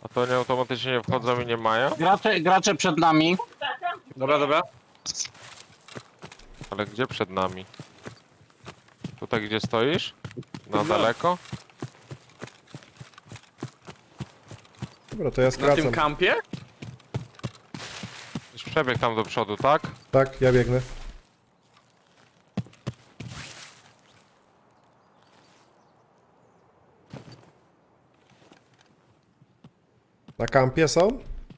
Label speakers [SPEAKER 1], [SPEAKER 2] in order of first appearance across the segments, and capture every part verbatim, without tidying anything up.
[SPEAKER 1] A to nie automatycznie nie wchodzą i nie mają?
[SPEAKER 2] Gracze, gracze przed nami.
[SPEAKER 3] Dobra, dobra.
[SPEAKER 1] Ale gdzie przed nami? Tutaj gdzie stoisz? Na
[SPEAKER 3] No.
[SPEAKER 1] daleko?
[SPEAKER 4] Dobra, to ja
[SPEAKER 3] Na tym
[SPEAKER 4] skracam.
[SPEAKER 3] kampie?
[SPEAKER 1] Już przebieg tam do przodu, tak?
[SPEAKER 4] Tak, ja biegnę. Na kampie są?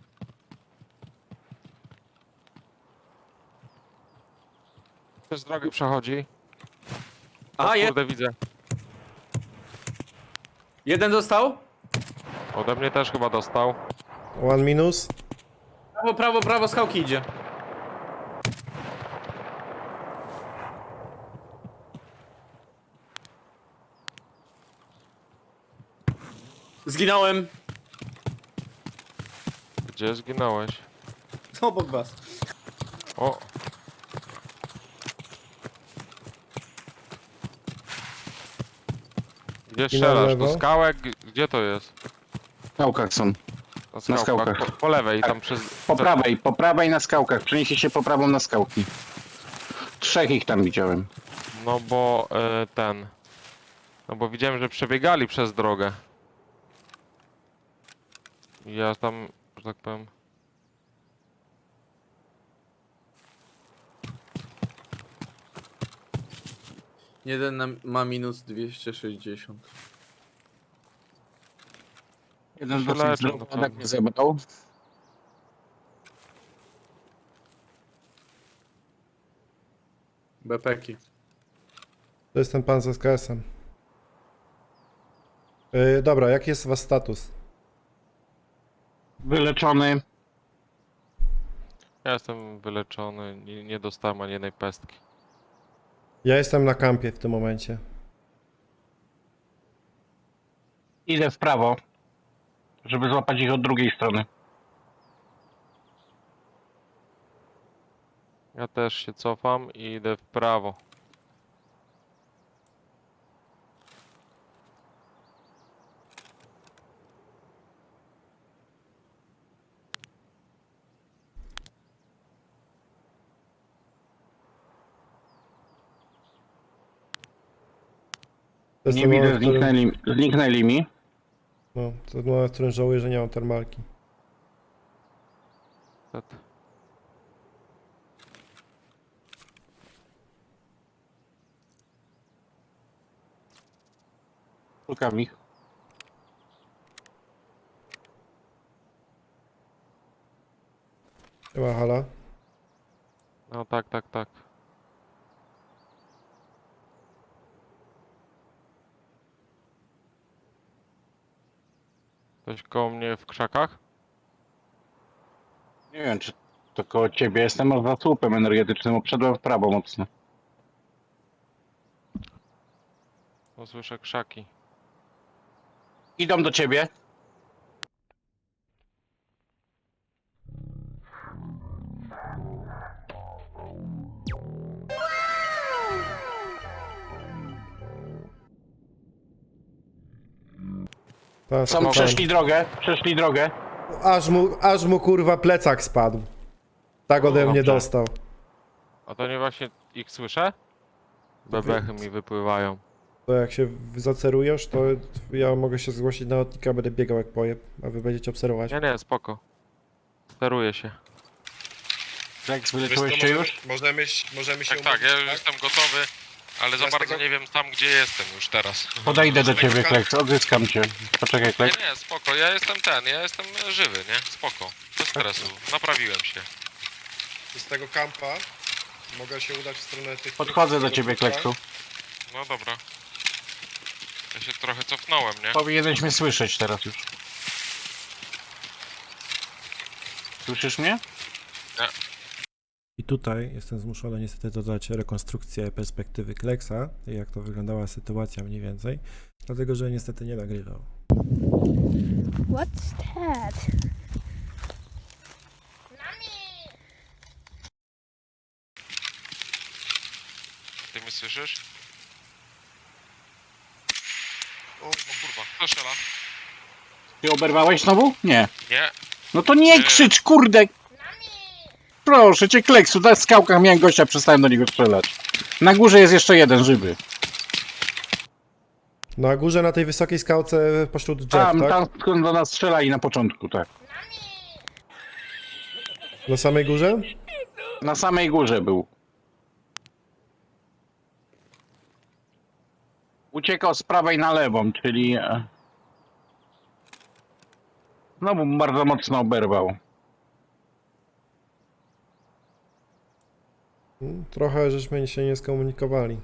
[SPEAKER 1] Przez drogę przechodzi.
[SPEAKER 3] Aha,
[SPEAKER 1] O
[SPEAKER 3] je,
[SPEAKER 1] kurde, widzę.
[SPEAKER 3] jeden dostał.
[SPEAKER 1] Ode mnie też chyba dostał.
[SPEAKER 4] One minus.
[SPEAKER 3] Prawo, prawo, prawo, skałki idzie. Zginąłem.
[SPEAKER 1] Gdzie zginąłeś?
[SPEAKER 3] Obok was.
[SPEAKER 1] O! Gdzie strzelasz?
[SPEAKER 4] lewo.
[SPEAKER 1] Do skałek? Gdzie to jest?
[SPEAKER 2] W skałkach są.
[SPEAKER 1] Na skałkach.
[SPEAKER 2] skałkach.
[SPEAKER 1] Po, po lewej, tam przez...
[SPEAKER 2] Po prawej, po prawej na skałkach. Przenieście się po prawą na skałki. Trzech ich tam widziałem.
[SPEAKER 1] No bo e, ten... No bo widziałem, że przebiegali przez drogę. I ja tam, że tak powiem...
[SPEAKER 3] Jeden na, ma minus dwieście sześćdziesiąt.
[SPEAKER 2] Jeden
[SPEAKER 1] Się
[SPEAKER 2] dosyć
[SPEAKER 1] leczą,
[SPEAKER 2] zdrowy
[SPEAKER 1] to
[SPEAKER 2] atak
[SPEAKER 1] co?
[SPEAKER 2] mnie zebrał.
[SPEAKER 3] Bepeki.
[SPEAKER 4] To jest ten pan z S K S-em. Yy, dobra, jaki jest was status?
[SPEAKER 2] Wyleczony.
[SPEAKER 1] Ja jestem wyleczony, nie, nie dostałem ani jednej pestki.
[SPEAKER 4] Ja jestem na kampie w tym momencie.
[SPEAKER 2] Idę w prawo, żeby złapać ich od drugiej strony.
[SPEAKER 1] Ja też się cofam i idę w prawo.
[SPEAKER 4] To jest
[SPEAKER 2] Nie
[SPEAKER 4] ten
[SPEAKER 2] widzę,
[SPEAKER 4] moment, w którym,
[SPEAKER 2] zniknęli, zniknęli mi.
[SPEAKER 4] no, to jest moment, w którym żałuję, że nie mam termalki.
[SPEAKER 1] Niestety.
[SPEAKER 2] Szukam ich.
[SPEAKER 4] Chyba hala.
[SPEAKER 1] No tak, tak, tak. Ktoś koło mnie w krzakach?
[SPEAKER 2] Nie wiem, czy to koło ciebie. Jestem za słupem energetycznym, obszedłem w prawo mocno.
[SPEAKER 1] No słyszę krzaki.
[SPEAKER 2] Idą do ciebie.
[SPEAKER 4] Ta,
[SPEAKER 2] Są,
[SPEAKER 4] ten.
[SPEAKER 2] przeszli drogę, przeszli drogę.
[SPEAKER 4] Aż mu, aż mu kurwa plecak spadł. Tak ode
[SPEAKER 2] O,
[SPEAKER 4] mnie
[SPEAKER 2] dobrze.
[SPEAKER 4] dostał.
[SPEAKER 1] A to nie właśnie ich słyszę? Bebechy mi wypływają.
[SPEAKER 4] To jak się w- zacerujesz, to ja mogę się zgłosić na lotnika, będę biegał jak pojeb, a wy będziecie obserwować.
[SPEAKER 1] Nie, nie, spoko. Steruję się.
[SPEAKER 2] Flex,
[SPEAKER 5] Wiesz co,
[SPEAKER 2] wyleczyłeś się
[SPEAKER 5] możemy,
[SPEAKER 2] już?
[SPEAKER 5] możemy, możemy się
[SPEAKER 1] Tak, tak, ja już
[SPEAKER 5] umówić,
[SPEAKER 1] jestem gotowy, ale za
[SPEAKER 5] Ja z
[SPEAKER 1] bardzo
[SPEAKER 5] tego-
[SPEAKER 1] nie wiem tam gdzie jestem już teraz.
[SPEAKER 2] Podejdę do
[SPEAKER 5] Z tego
[SPEAKER 2] ciebie,
[SPEAKER 5] kan-
[SPEAKER 2] Flex, odzyskam cię. Poczekaj,
[SPEAKER 1] Nie,
[SPEAKER 2] Flex.
[SPEAKER 1] nie, spoko, ja jestem ten, ja jestem żywy, nie? Spoko. Bez stresu, naprawiłem się.
[SPEAKER 5] Z tego kampa mogę się udać w stronę tych...
[SPEAKER 2] Podchodzę
[SPEAKER 5] tych-
[SPEAKER 2] do
[SPEAKER 5] tego
[SPEAKER 2] ciebie,
[SPEAKER 5] trupa.
[SPEAKER 2] Kleksu.
[SPEAKER 1] No dobra. Ja się trochę cofnąłem, nie?
[SPEAKER 2] Powinieneś mnie słyszeć teraz już. Słyszysz mnie?
[SPEAKER 4] I tutaj jestem zmuszony niestety dodać rekonstrukcję perspektywy Kleksa, jak to wyglądała sytuacja mniej więcej, dlatego że niestety nie nagrywał.
[SPEAKER 6] What's that?
[SPEAKER 1] Ty mnie słyszysz? O, o kurwa, kto strzela?
[SPEAKER 2] Ty oberwałeś znowu? Nie.
[SPEAKER 1] Nie.
[SPEAKER 2] No to nie krzycz, kurde! Proszę cię, Kleksu, na skałkach miałem gościa, przestałem do niego strzelać. Na górze jest jeszcze jeden żywy.
[SPEAKER 4] Na górze, na tej wysokiej skałce pośród drzew,
[SPEAKER 2] Tam,
[SPEAKER 4] tak?
[SPEAKER 2] tam skąd do nas strzelali na początku, tak.
[SPEAKER 4] Na samej górze?
[SPEAKER 2] Na samej górze był. Uciekał z prawej na lewą, czyli... e, Znowu bardzo mocno oberwał.
[SPEAKER 4] Mm, Trochę żeśmy się nie skomunikowali.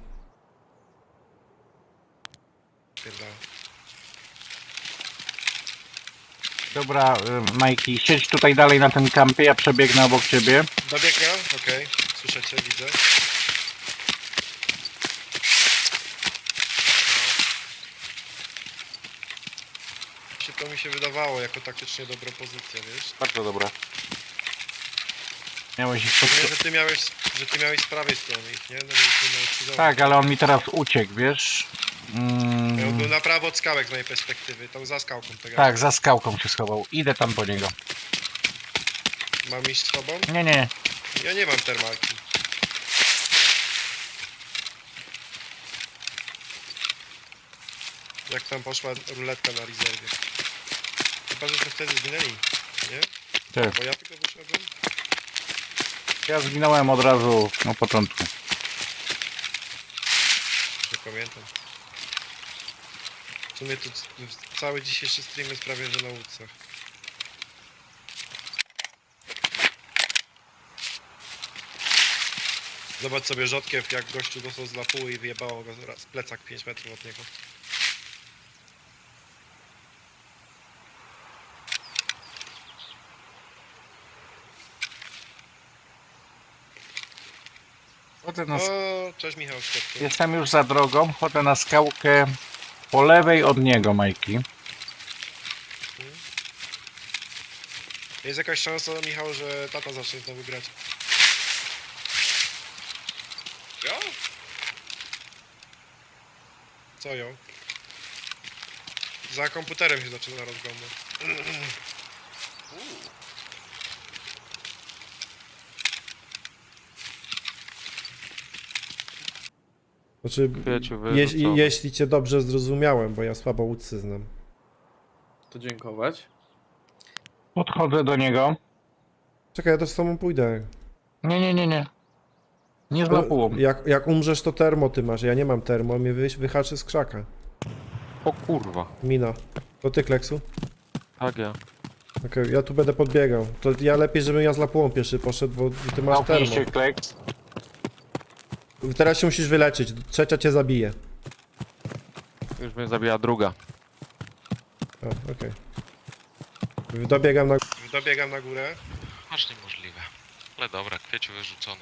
[SPEAKER 5] Pierdolę.
[SPEAKER 2] Dobra, y, Majki, siedź tutaj dalej na tym kampie, ja przebiegnę obok ciebie.
[SPEAKER 5] Dobiega? Okej. Słyszycie, widzę. Się to mi się wydawało jako taktycznie dobra pozycja, wiesz?
[SPEAKER 2] Bardzo dobra. Miałeś ich pod...
[SPEAKER 5] Wiem, że ty miałeś, że ty miałeś z prawej strony ich, nie? No bo ty miałeś cudowo.
[SPEAKER 2] Tak, ale on mi teraz uciekł, wiesz? Mm,
[SPEAKER 5] Ja był na prawo od skałek z mojej perspektywy, tam za skałką tego.
[SPEAKER 2] tak, za skałką się schował. Idę tam po niego.
[SPEAKER 5] Mam iść z tobą?
[SPEAKER 2] Nie, nie.
[SPEAKER 5] Ja nie mam termalki. Jak tam poszła ruletka na rezerwie? Chyba, żeśmy wtedy zginęli, nie?
[SPEAKER 2] Tak.
[SPEAKER 5] Bo ja tylko wyszedłem.
[SPEAKER 2] Ja zginąłem od razu na początku.
[SPEAKER 5] Nie pamiętam. W sumie tu c- cały dzisiejszy stream jest prawie że na łódce. Zobacz sobie rzodkiew, jak gościu dostał z lapuły i wyjebało go z plecak pięć metrów od niego.
[SPEAKER 2] Chodzę na...
[SPEAKER 5] O, cześć Michał Szczepku.
[SPEAKER 2] Jestem już za drogą, chodzę na skałkę po lewej od niego, Majki.
[SPEAKER 5] Jest jakaś szansa, Michał, że tata zacznie znowu grać. Ja? Co ją? Za komputerem się zaczyna rozglądać.
[SPEAKER 4] Znaczy,
[SPEAKER 1] Kwieciu
[SPEAKER 4] jeśli,
[SPEAKER 1] wyrzucony.
[SPEAKER 4] jeśli cię dobrze zrozumiałem, bo ja słabo łódcy znam.
[SPEAKER 3] To dziękować.
[SPEAKER 2] Podchodzę do niego.
[SPEAKER 4] Czekaj, ja też z tobą pójdę.
[SPEAKER 2] Nie, nie, nie, nie. Nie z lapułą.
[SPEAKER 4] Jak, jak umrzesz, to termo ty masz. Ja nie mam termo, mnie wy, wyhaczy z krzaka.
[SPEAKER 1] O kurwa.
[SPEAKER 4] Mina. To ty, Kleksu?
[SPEAKER 1] Tak ja.
[SPEAKER 4] Okej, ja tu będę podbiegał. To ja lepiej, żebym ja z lapułą pierwszy poszedł, bo ty masz termo.
[SPEAKER 2] Małpnij się, Kleks.
[SPEAKER 4] Teraz się musisz wyleczyć, trzecia cię zabije.
[SPEAKER 1] Już mnie zabija druga.
[SPEAKER 4] O, okej. Dobiegam na...
[SPEAKER 5] Dobiegam na górę.
[SPEAKER 6] Aż niemożliwe. Ale dobra, kwieciu wyrzucony.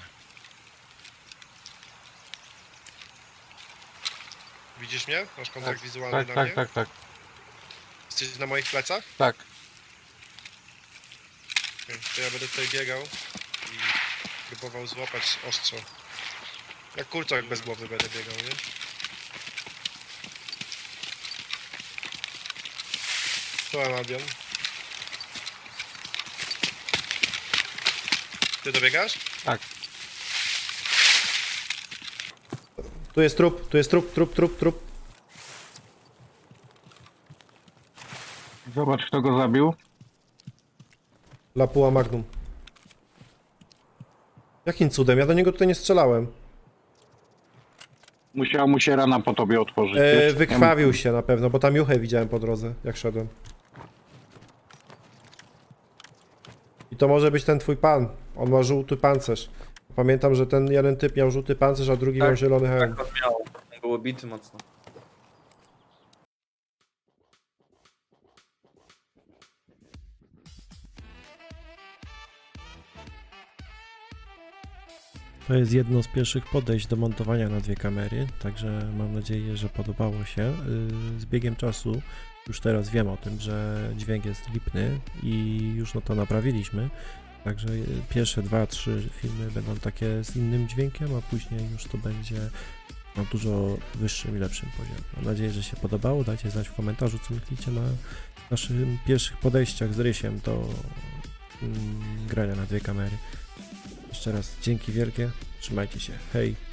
[SPEAKER 5] Widzisz mnie? Masz kontakt
[SPEAKER 2] Tak,
[SPEAKER 5] wizualny
[SPEAKER 2] tak,
[SPEAKER 5] na
[SPEAKER 2] tak,
[SPEAKER 5] mnie?
[SPEAKER 2] tak, tak.
[SPEAKER 5] Jesteś na moich plecach?
[SPEAKER 2] Tak.
[SPEAKER 5] Okej, to ja będę tutaj biegał i próbował złapać ostrzo. Jak kurczak bez głowy będę biegał, nie? Czołem Albion. Ty dobiegasz?
[SPEAKER 2] Tak.
[SPEAKER 4] Tu jest trup, tu jest trup, trup, trup, trup.
[SPEAKER 2] Zobacz, kto go zabił.
[SPEAKER 4] Lapuła Magnum. Jakim cudem? Ja do niego tutaj nie strzelałem.
[SPEAKER 2] Musiała mu się rana po tobie otworzyć.
[SPEAKER 4] E,
[SPEAKER 2] wiesz?
[SPEAKER 4] wykrwawił się na pewno, bo tam juchę widziałem po drodze, jak szedłem. I to może być ten twój pan. On ma żółty pancerz. Pamiętam, że ten jeden typ miał żółty pancerz, a drugi
[SPEAKER 3] Tak,
[SPEAKER 4] miał zielony hełm.
[SPEAKER 3] Tak on miał. On był obity mocno.
[SPEAKER 4] To jest jedno z pierwszych podejść do montowania na dwie kamery, także mam nadzieję, że podobało się. Yy, Z biegiem czasu już teraz wiem o tym, że dźwięk jest lipny i już no to naprawiliśmy. Także yy, pierwsze dwa, trzy filmy będą takie z innym dźwiękiem, a później już to będzie na dużo wyższym i lepszym poziomie. Mam nadzieję, że się podobało. Dajcie znać w komentarzu, co myślicie na naszych pierwszych podejściach z Rysiem do mm, grania na dwie kamery. Jeszcze raz dzięki wielkie, trzymajcie się, hej!